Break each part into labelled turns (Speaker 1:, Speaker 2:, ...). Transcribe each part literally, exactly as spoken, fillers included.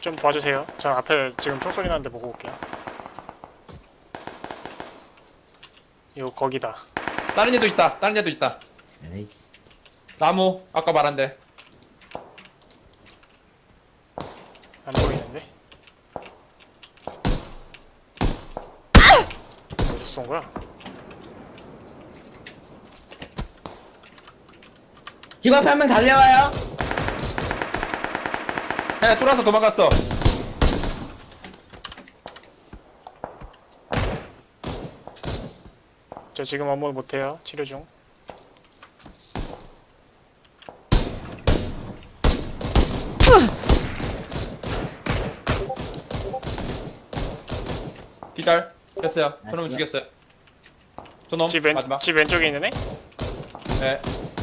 Speaker 1: 좀 봐주세요. 저 앞에 지금 총소리 나는데 보고 올게요. 요 거기다.
Speaker 2: 다른 애도 있다. 다른 애도 있다.
Speaker 3: 에이씨.
Speaker 2: 나무 아까 말한데.
Speaker 1: 안 보이는데? 어디서 쏜 거야?
Speaker 3: 집 앞에 한 명 달려와요.
Speaker 2: 야, 뚫어서 도망갔어.
Speaker 1: 저 지금 업무 못해요. 치료 중.
Speaker 2: 기절. 됐어요. 저놈
Speaker 3: 나이스.
Speaker 2: 죽였어요. 저놈
Speaker 1: 집, 왼,
Speaker 2: 마지막.
Speaker 1: 집 왼쪽에 있는 애?
Speaker 2: 네.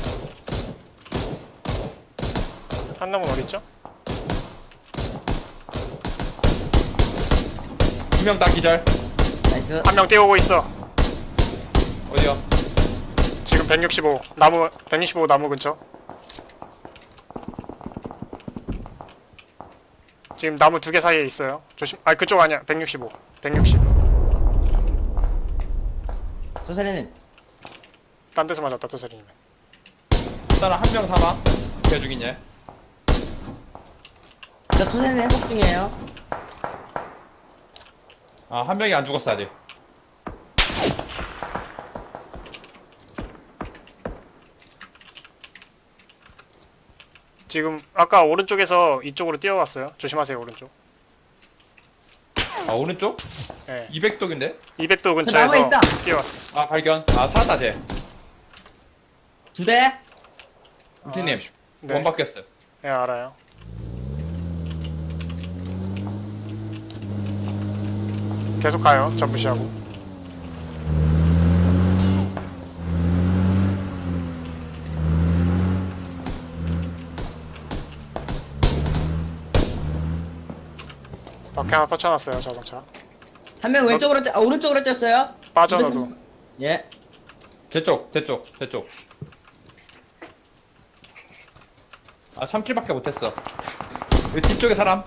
Speaker 1: 한 놈은 어딨죠?
Speaker 2: 두 명 다 기절.
Speaker 3: 나이스.
Speaker 1: 한 명 뛰어오고 있어.
Speaker 2: 어디요?
Speaker 1: 지금 백육십오. 나무, 백육십오 나무 근처. 지금 나무 두 개 사이에 있어요. 조심. 아, 그쪽 아니야. 백육십오. 백육십.
Speaker 3: 조사리는
Speaker 1: 딴 데서 맞았다, 도사리님은.
Speaker 2: 일단 한 명 사망. 걔 죽인 얘.
Speaker 3: 저 조사리는 회복 중이에요.
Speaker 2: 아, 한 명이 안 죽었어 아직.
Speaker 1: 지금 아까 오른쪽에서 이쪽으로 뛰어왔어요. 조심하세요, 오른쪽.
Speaker 2: 아, 오른쪽?
Speaker 1: 예.
Speaker 2: 이백 독인데?
Speaker 1: 이백 도
Speaker 3: 나무에
Speaker 1: 근처에서
Speaker 3: 있다.
Speaker 1: 뛰어왔어.
Speaker 2: 아, 발견. 아, 살았다 쟤.
Speaker 3: 두 대.
Speaker 2: 우티님
Speaker 1: 네.
Speaker 2: 원 바뀌었어요.
Speaker 1: 예, 알아요. 계속 가요. 저 무시하고. 밖에 하나 터쳐놨어요, 자동차.
Speaker 3: 한 명 왼쪽으로 뛰, 아, 오른쪽으로 뛰었어요.
Speaker 1: 빠져, 너도.
Speaker 3: 예.
Speaker 2: 제 쪽, 제 쪽, 제 쪽. 아, 삼 킬밖에 못했어. 여기 집 쪽에 사람.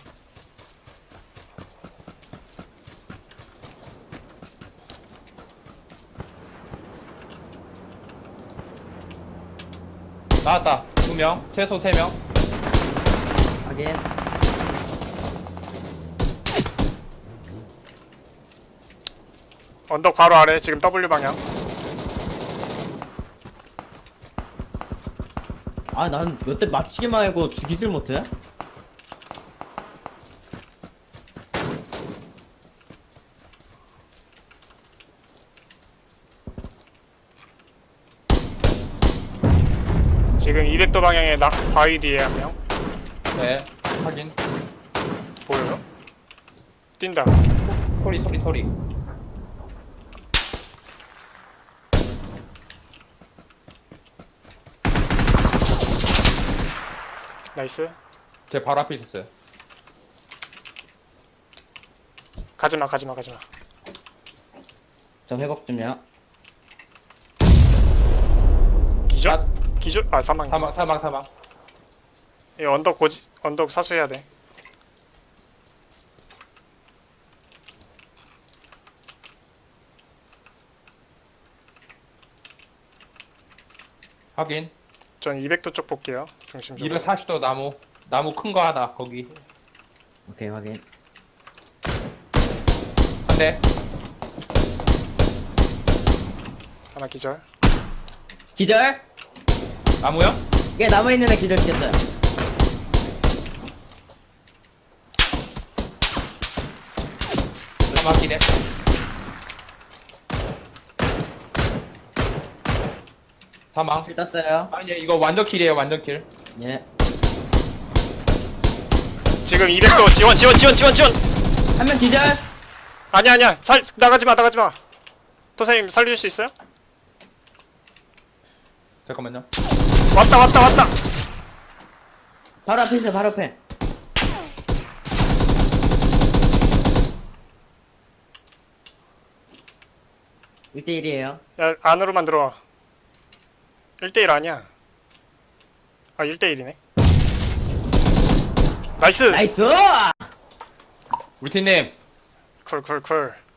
Speaker 2: 나왔다. 두 명, 최소 세 명.
Speaker 3: 확인.
Speaker 1: 언덕 바로 아래, 지금 W 방향.
Speaker 3: 아, 난 몇 대 맞히기만 하고 죽이질 못해.
Speaker 1: 지금 이백 도 방향에 나, 바위 뒤에 한 명.
Speaker 2: 네, 확인.
Speaker 1: 보여요? 뛴다.
Speaker 2: 소리, 소리, 소리.
Speaker 1: 나이스.
Speaker 2: 제 바로 앞에 있었어요.
Speaker 1: 가지마, 가지마, 가지마.
Speaker 3: 저 회복 중이요.
Speaker 1: 기절?
Speaker 2: 아,
Speaker 1: 기절? 아, 사망.
Speaker 2: 사망, 사망, 사망.
Speaker 1: 이 언덕 고지, 언덕 사수해야 돼.
Speaker 2: 확인.
Speaker 1: 전 이백 도 쪽 볼게요. 중심적으로.
Speaker 2: 이백사십 도 나무. 나무 큰 거 하나, 거기.
Speaker 3: 오케이, 확인.
Speaker 2: 한 대.
Speaker 1: 하나 기절.
Speaker 3: 기절.
Speaker 2: 나무요?
Speaker 3: 예, 남아 있는 애 기절 시켰어요.
Speaker 2: 사망 기대. 사망.
Speaker 3: 킬 떴어요.
Speaker 2: 아니, 이거 완전 킬이에요, 완전 킬.
Speaker 3: 예.
Speaker 1: 지금 이백 도 지원, 지원, 지원, 지원, 지원.
Speaker 3: 한 명 기절.
Speaker 1: 아니야, 아니야. 살 나가지 마, 나가지 마. 도사님 살려줄 수 있어요?
Speaker 2: 잠깐만요.
Speaker 1: 왔다, 왔다, 왔다.
Speaker 3: 바로 앞에 있어요, 바로 앞에. 일 대 일이에요.
Speaker 1: 야, 안으로만 들어와. 일 대 일 아니야. 아, 일 대 일이네. 나이스.
Speaker 3: 나이스!
Speaker 2: 우리 팀님
Speaker 1: 쿨쿨쿨.